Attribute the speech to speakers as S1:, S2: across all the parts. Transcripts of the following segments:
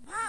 S1: ข้าว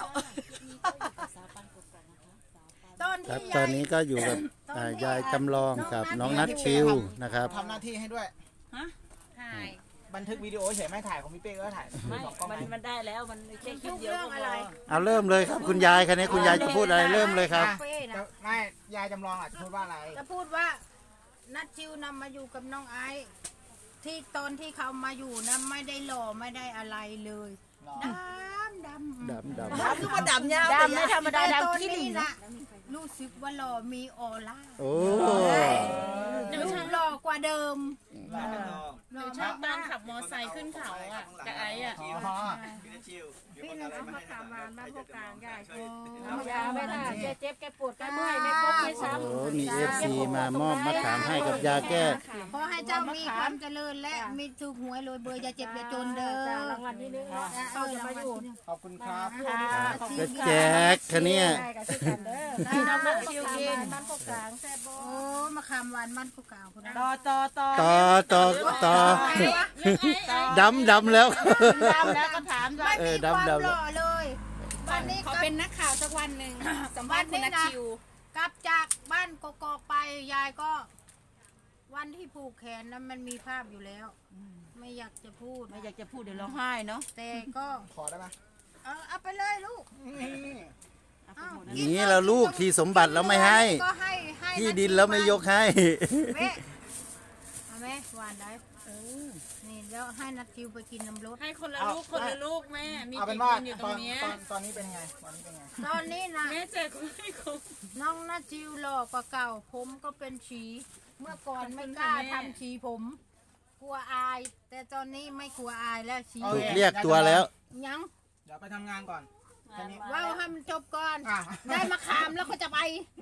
S2: ตอน
S3: ครับ
S2: ที่
S3: ตอน
S2: ยาย
S3: นี้ก็อยู่กับยายจำลองกับน้องนัทชิวนะครับ
S4: ทำหน้าที่ให้ด้วย
S1: ถ่าย
S4: บันทึกวิดีโอเฉยไม่ถ่ายของพี่เป้ก็ถ่าย
S1: ไม่
S4: สองกล้อง
S1: มันได้แล้วมันแค่คลิปเดียวก็พอ
S3: เอาเริ่มเลยครับคุณยายคันนี้คุณยายจะพูดอะไรเริ่มเลยครับ
S2: เป้นะ
S4: ไม่ยายจำลองอ่ะจะพูดว่าอะไร
S2: จะพูดว่านัดชิวนำมาอยู่กับน้องไอซ์ที่ตอนที่เขามาอยู่นะไม่ได้หล่อไม่ได้อะไรเลยดำ
S3: ดำดำ
S1: ดำคือว่าดำยาวดำไม่ธรรมดา
S2: แต่ตอน
S1: ดำขี้หลี
S2: นี้
S1: นะ
S2: นะรู้สึกว่าหล่อมีออร่า
S3: โอ้
S2: รูปหล่อกว่าเดิมหล่อ
S5: ชอบตอนขับมอไซค์ขึ้นเขาอ่ะกับไอ้อ่ะ
S4: อ๋อ
S2: พี่นึงเอามาขามวานบ้านพวกกลางยาย
S1: เอายาไม่ได้แกเจ็บแกปวดแกเมื่อยไม่พบไม่ช้ำ
S3: โหมีเอฟซีมามอบมะขามให้กับยาแก้
S2: ขอให้เจ้ามีความเจริญและมีถูกหวยรวยเบอร์อย่าเจ็บอย่าจนเด้อ
S1: รางวัลที่หนึ่ง
S2: เออรางวัลที่หนึ่ง
S4: ขอบคุณครับ
S3: ก็แจกคันนี้
S1: ที่น้องนักชิวกินบ้านพวกกลางแซ่บโบ
S2: โอ้มาขามหวานมันผู้กล่าวคนนั้น
S1: ต่อ
S3: ต่อดำดำแล้ว
S1: ดำแล้วก็ถามว่า
S2: ไม่มีความหล่อเลยวันนี้
S5: เขาเป็นนักข่าวสักวันหนึ่งสัมภาษณ์คุณนัทชิว
S2: กลับจากบ้านกกอกไปยายก็ วันที่ผูกแขนนั้นมันมีภาพอยู่แล้ว ไม่อยากจะพูด
S1: ไม่อยากจะพูดเดี๋ยวร้องไห้เนาะ
S2: แต่ก็
S4: ขอได้ไหม
S2: เอาไปเลยลูก
S3: อย่างนี้เราลูกที่สมบัติเราไม่ให้
S2: ก็ให้ให้
S3: ที่ดินเราไม่ยกให้
S2: แม่เอาไหมหวานได้นี่แล้วให้นัดคิวไปกินน้ำรส
S5: ให้คนละลูกคนละลูกแม่ มี
S4: เอาเป็
S5: กี่
S4: น
S5: ค
S4: ว่าน
S5: อยู่ต
S4: ต
S5: ร
S4: อง น
S5: เนี้ย
S4: ตอนนี้เป็นไงตอนนี้เป็นไง
S2: ตอนนี้นะ
S5: แม่เจอคนไม่ครบ
S2: น้องนัดจิวหล่อกว่าเก่าผมก็เป็นฉีเมื่อก่อนไม่กล้าทำฉีผม กลัวอาย แต่ตอนนี้ไม่กลัวอายแล้วฉี
S3: ถูกเรียกตัวแล้ว
S2: ยัง
S4: เดี๋ยวไปทำงานก่อนแค่นี้
S2: ว่าวให้มันจบก่อน
S4: อ่ะ
S2: ได้มาขามแล้วก็จะไป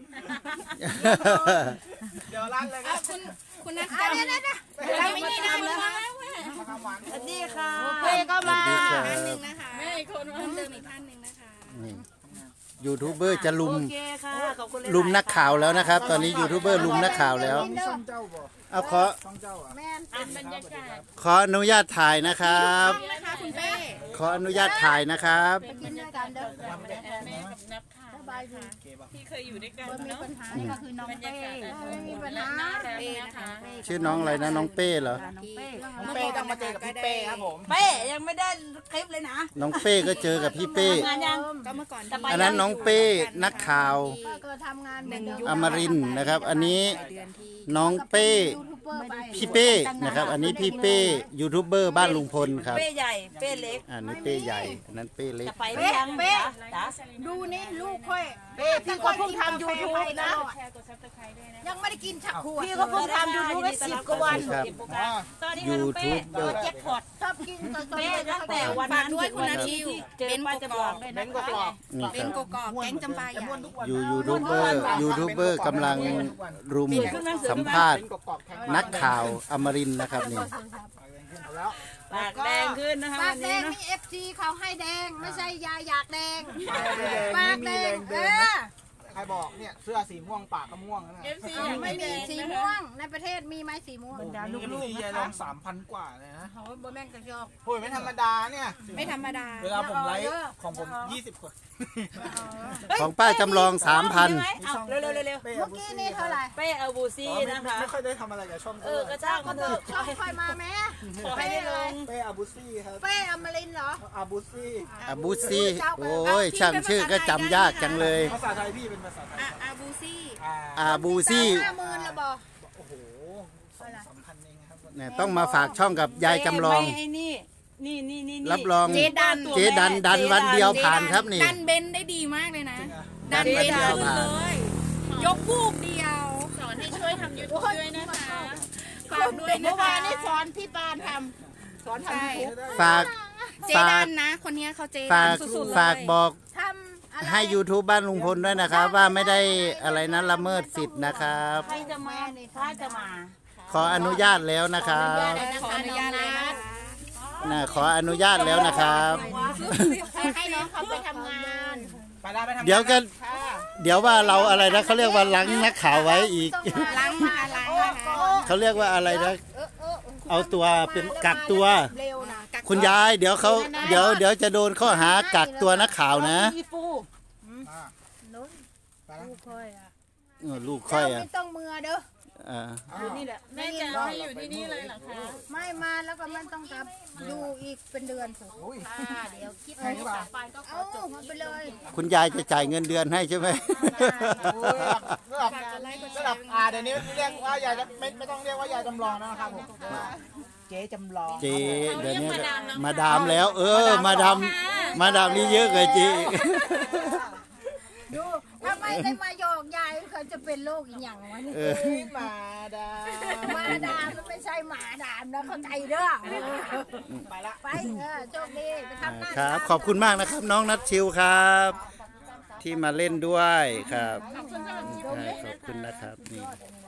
S4: เดี๋ยวลั่นเลยครับ
S5: คุณนัท
S2: อ่ะเดี๋ยว
S5: เราไม่ได้นะแล้ว
S4: มาทำหวาน
S1: สวัสดีค่ะ
S2: เป้ก็มา
S3: สวัสดีครับ
S5: ท่านหนึ่งนะคะแม่อีกคนว่าเติมอีกท่านหนึ่งนะคะ
S3: นี่ยูทูบเบอร์จะลุม
S1: โอเคค่ะขอบคุณ
S3: ลุมนักข่าวแล้วนะครับ ตอนนี้ยูทูบเบอร์ลุมนักข่าวแล้ว
S4: มีช่องเจ้าบ่
S3: เอาขอ
S4: ช่องเจ้าอ่ะ
S2: แม่น
S5: เป็นบรรยากาศ
S3: ขออนุญาตถ่ายนะครับ
S5: นะคะคุณเป้
S3: ขออนุญาตถ่ายนะครับ
S2: ไปกินด้วยกันเด้อ
S5: แม่กับนับข่าว
S2: สบายดี
S5: ที่เคยอยู่ด้วยกัน
S2: ไม่มี
S5: เนาะ
S2: ปัญหานี่ก็คือน้อง
S5: บรร
S2: เป้
S5: ยากาศ
S2: ไม่มีปัญหา
S5: น่ารักนะคะ
S3: ชื่อน้องอะไรนะน้องเป้เหรอ
S1: น้องเป้
S4: น้องเป้ต้องมาเจอกับพี่เป้ครับผม
S1: เป้ยังไม่ได้คลิปเลยนะ
S3: น้องเป้ก็เจอกับพี่เป้
S1: งานยัง
S5: ก็เมื่อก่อน
S3: อันนั้นน้องเป้นักข่าว
S2: ป้าก็ทำงานเหมือนเดิม
S3: อมรินทร์นะครับ อันนี้น้องเป้
S2: ยูทูบเบอร์ไป
S3: พี่เป้นะครับ อันนี้พี่เป้ยูทูบเบอร์บ้านลุงพลครับ
S1: เป้ใหญ่เป้เล็ก
S3: อันนี้เป้ใหญ่อันนั้นเป้เล็ก
S1: จะไปหรือยัง
S2: เป้
S1: จ๊ะ
S2: ดูนี่ลูกค่อย
S1: เป้พี่ก็เพิ่งทำ YouTube นะ
S5: แชร์กดซับสไครต์ด้วยนะ
S2: ยังไม่ได้กินฉักขวด
S1: พี่ก็เพิ่งทำ YouTube ได้10 กว่าวัน
S3: ครับ
S4: อ๋อ
S1: ตอนนี้ค่ะน้องเป้
S3: YouTube
S1: เจอแจ็คพอต
S2: ชอบกินตอน
S1: เป้ตั้งแต่วันนั้น
S5: ด้วยคุณนัทชิว
S1: เจอป้าจะบอกด้วย
S4: เบ
S1: นะ
S4: นกกรอบ
S3: นี่
S5: เป็
S3: คน รับ
S5: กกอกแก๊งจำปาใหญ่
S4: ม้วนทุกวัน
S3: ยูทูบเบอร์กำลังรุมสัมภาษณ์
S4: เป็นกกรอบแข็ง
S3: นักข่าวอมรินทร์นะครับนี่
S4: เอาแล้ว
S1: ปากแดงขึ้นนะคะ
S2: ปา
S1: วั
S2: ก
S1: น
S2: แด
S1: นี้
S2: ง
S1: นะ
S2: นี่FC เขาให้แดง ไม่ใช่ยาอยากแดง
S4: ไม่
S2: ปาก
S4: มี
S2: แด
S4: แรง ง
S2: เอ
S4: เดิน
S2: อ
S4: ใครบอกเนี่ยเสื้อสีม่วงปากก็ม่วงนะ
S5: FC ยัง
S2: ไม่
S5: ไม่
S2: มี
S5: แดง
S2: สี
S5: นะ
S2: ม่ว
S5: คะ
S2: งในประเทศมีไหมสีม่วง
S4: ลูกๆยายลอง 3,000 กว่าเลยนะ
S2: โอ้ยบ่แม่งกระจอก
S4: โอ้ยไม่ธรรมดาเนี่ย
S5: ไม่ธรรมดา
S4: เวลาผมไลฟ์ของผม20 คน
S3: ของป้าจำลอง 3,000
S1: เอาเร็วๆเร็ว
S4: เป้
S2: เมื่อกี้นี่เท่าไหร่
S1: ๆเป้เอาบูซี่นะคะ
S4: ไม่ค่อยได้ทำอะไรกับช่อง
S1: ก็จ้างเขาเถอะ
S2: ชอบคอยมาแม่
S1: ขอให้ได้ลง
S4: เป้อาบูซี่ครับ
S2: เป้อมรินทร์เหรอ
S4: อาบูซี่
S3: อาบูซี่โอ้ยช่างชื่อก็จำยากจังเลย
S4: ภาษาไทยพี่เป็นภาษาไทย
S5: อาบูซี่
S3: อาบูซี่
S2: 50,000ละบ่
S4: โอ้โห2,000-3,000เองครับ
S3: เนี่ยต้องมาฝากช่องกับยายจำลอง
S1: ไอ้นี่
S3: รับรอง
S5: เจดัน
S3: เจดันวันเดียวผ่านครับนี่
S5: ดันเบนได้ดีมากเลยนะ ดัน
S3: เบ
S5: เบ
S3: น
S5: น
S3: เดียว
S5: ขึ้น
S3: ผ่าน
S5: เลย ยกวูบเดียว สอนให้ช่วยทำยูทูบด้วยนะคะฝากด้วยนะ
S2: เมื่อ
S5: คะ
S2: วานนี่สอนพี่ปานทำสอนทำ
S5: ใช่
S2: ยูทูบ
S3: ฝาก
S5: เจ
S3: ฝา
S5: ดั
S3: ก
S5: นนะ คนนี้เขาเจ
S3: ฝา
S5: ดัน
S3: ก
S5: สุดๆเลย
S3: ฝากบอก
S2: ทำอะไร
S3: ให้ YouTube บ้านลุงพลด้วยนะครับ ว่าไม่ได้อะไรนั้นละเมิดสิทธิ์นะครับ
S1: ใครจะมาถ้าจะมา
S3: ขออนุญาตแล้วนะครับ
S5: ขออนุญาตเลยนะ
S3: ขออนุญาตแล้วนะครับ
S2: ให้น้องเขาไปทำงาน
S4: ไปได้ไปทำงาน
S3: เดี๋ยวกัน
S4: ค่ะ
S3: เดี๋ยวว่าเราอะไรนะเขาเรียกว่าล้างนักข่าวไว้อีก
S5: ล้างมาล้างนะคะ
S3: เขาเรียกว่าอะไรนะ เอาตัวเป็นกักตัว
S2: เร็วนะ
S3: คคุณยายเดี๋ยวเขาเดี๋ยวจะโดนข้อหากักตัวนักข่าวนะ
S5: อีปู
S4: อ่า
S2: นู้น
S4: ไปแล้ว
S2: ลูกค่อยอ่ะ
S3: ลูกค่อย
S2: เจ้า
S3: อ่ะ
S2: ไม่ต้องมือเด้อ
S3: อ่า
S5: อยู่นี่แหละแม่จะให้อยู่ที่นี่เลยเหรอคะ
S2: ไม่มาแล้วก็มันต้องกลับอยู่อีกเป็นเดือนถูก
S4: อุ้ย
S5: เดี๋ยวคิด
S4: แพงหรือเปล่า
S2: เอามาไปเลย
S3: คุณยายจะจ่ายเงินเดือนให้ใช่ไหม
S4: โอ้ยระดับเดี๋ยวนี้เรียกว่ายายไม่ต้องเรียกว่ายายจำลองนะครับผมเจ๊จำลอง
S3: เจเดี๋ยวนี้มาดามแล้ว มาดามนี่เยอะเลยจี
S2: ดูถ้าไม่ได้มาหยอกยายเขาจะเป็นโรคอีกอย่างวะนี่
S4: มาดา
S2: หมาดามมันไม่ใช่หมาดามนะเข้าใจเด้อ
S4: ไปละ
S2: ไปโชคดีไปทำหน้า
S3: ครับ ขอบคุณมากนะครับ น้องนัทชิวครับ ที่มาเล่นด้วยครับขอบคุณนะครับนี่